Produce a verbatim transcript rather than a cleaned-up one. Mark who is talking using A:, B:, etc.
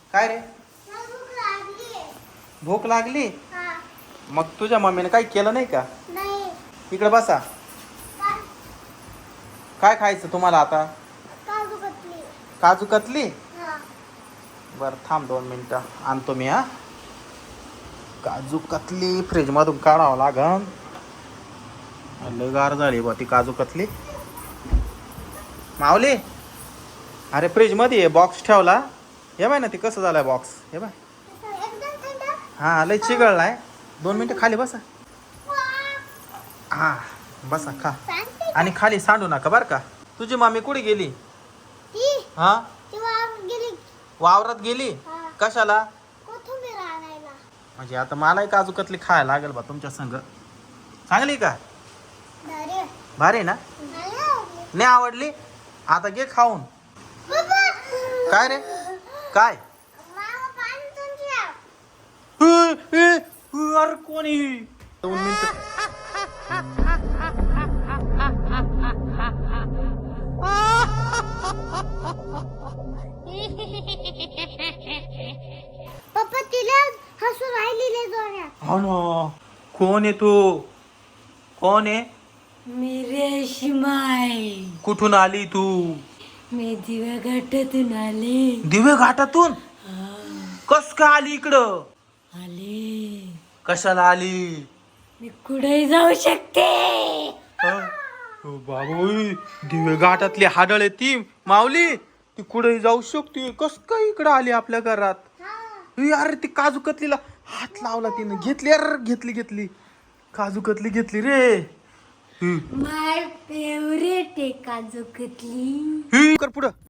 A: काय रे? भूक लागली? मग तुझ्या मम्मीने काही केलं नाही का? इकडे बसा. काय खायचं तुम्हाला आता? काजू कतली. बर थांब दोन मिनिटं आणतो मी. हा काजू कतली फ्रीज मधून काढावं लागन. लय गार झाली बा ती काजू कतली. माऊली, अरे फ्रीज मध्ये बॉक्स ठेवला. हे बाय ना ती कसं झालाय बॉक्स. हे बाय. हा लय चिघळलाय. दोन मिनिटं खाली बसा. हा बसा खा. आणि खाली सांडू नका बर का. तुझी मामी कुठे गेली? हा वावरात गेली. कशाला? म्हणजे आता मलाही काजू कतली खायला लागेल बा तुमच्या संग. चांगली का? भारी ना? नाही आवडली? आता घे खाऊन. काय रे? काय? अरे कोणी? दोन मिनिट.
B: पप्पा तिला हसू राहिलेले जोरात.
A: हो ना. कोण आहे तू? कोण आहे?
B: मी रेशमाई.
A: कुठून आली तू?
B: मी दिव्या घाटातून आले.
A: दिवे घाटातून? कस का आली इकडं?
B: आले.
A: कशाला आली?
B: मी कुठेही जाऊ शकते.
A: बाबू दिवे घाटातली हाडळ आहे ती माऊली. ती कुठेही जाऊ शकते. कस काय इकडं आली आपल्या घरात? अरे ती काजू कतलीला हात लावला तिने. घेतली अरे घेतली घेतली काजू कतली घेतली रे.
B: माय फेवरेट आहे काजू कतली.
A: कर पुढं.